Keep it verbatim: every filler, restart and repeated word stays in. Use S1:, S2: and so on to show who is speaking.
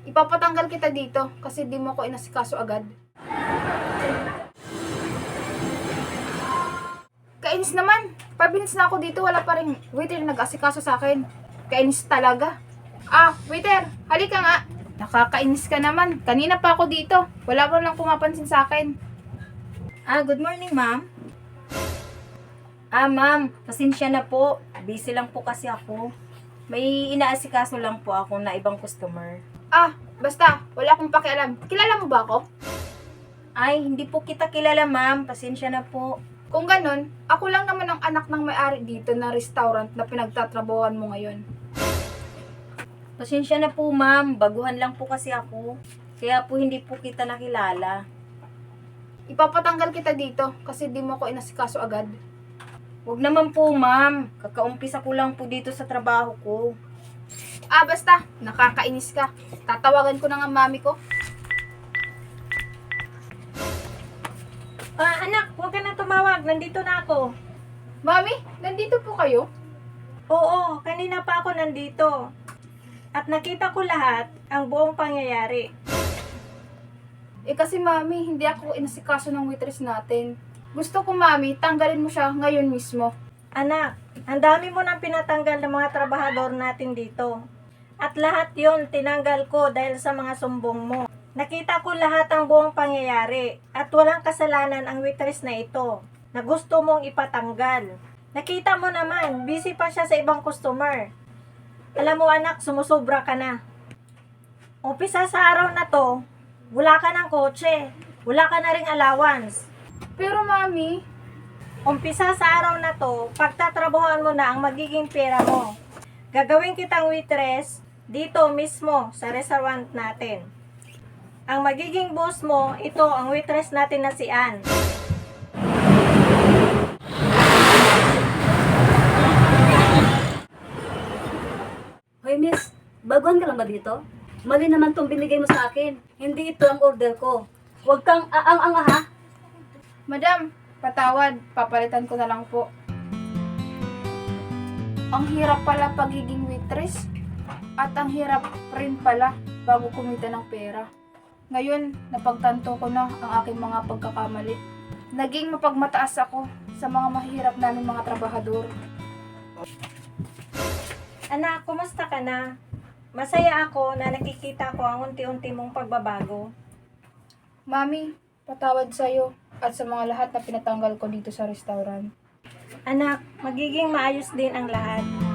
S1: Ipapatanggal kita dito kasi di mo ko inasikaso agad. Kainis naman. five minutes na ako dito, wala pa rin waiter na nag-asikaso sa akin. Kainis talaga. Ah, waiter, halika nga. Nakakainis ka naman. Kanina pa ako dito. Wala pa lang pumapansin sa akin.
S2: Ah, good morning, ma'am. Ah, ma'am, pasensya na po. Busy lang po kasi ako. May inaasikaso lang po ako na ibang customer.
S1: Ah, basta, wala akong pakialam. Kilala mo ba ako?
S2: Ay, hindi po kita kilala, ma'am. Pasensya na po.
S1: Kung ganun, ako lang naman ang anak ng may-ari dito na restaurant na pinagtatrabahuan mo ngayon.
S2: Pasensya na po, ma'am. Baguhan lang po kasi ako. Kaya po hindi po kita nakilala.
S1: Ipapatanggal kita dito kasi di mo ko inasikaso agad.
S2: Huwag naman po, ma'am. Kakaumpisa ko lang po dito sa trabaho ko.
S1: Ah, basta, nakakainis ka. Tatawagan ko na nga mami ko.
S2: Ah, anak, huwag ka na tumawag. Nandito na ako.
S1: Mami, nandito po kayo?
S2: Oo, kanina pa ako nandito. At nakita ko lahat, ang buong pangyayari.
S1: Eh kasi mami, hindi ako inasikaso ng waitress natin. Gusto ko mami, tanggalin mo siya ngayon mismo.
S2: Anak, ang dami mo nang pinatanggal ng mga trabahador natin dito. At lahat yon tinanggal ko dahil sa mga sumbong mo. Nakita ko lahat ang buong pangyayari at walang kasalanan ang waitress na ito na gusto mong ipatanggal. Nakita mo naman, busy pa siya sa ibang customer. Alam mo anak, sumusobra ka na. Umpisa sa araw na to, wala ka ng kotse, wala ka na ring allowance.
S1: Pero mami,
S2: Umpisa sa araw na to, pagtatrabahoan mo na ang magiging pera mo. Gagawin kitang waitress dito mismo sa restaurant natin. Ang magiging boss mo, ito ang waitress natin na si Ann.
S3: Hoy miss, baguhan ka lang ba dito? Mali naman tong binigay mo sa akin. Hindi ito ang order ko. Huwag kang aang-ang ha.
S1: madam, patawad, papalitan ko na lang po. Ang hirap pala pagiging waitress at ang hirap rin pala bago kumita ng pera. Ngayon, napagtanto ko na ang aking mga pagkakamali. Naging mapagmataas ako sa mga mahirap namin mga trabahador.
S2: Anak, kumusta ka na? Masaya ako na nakikita ko ang unti-unti mong pagbabago.
S1: Mami, patawad sa'yo at sa mga lahat na pinatanggal ko dito sa restaurant.
S2: Anak, magiging maayos din ang lahat.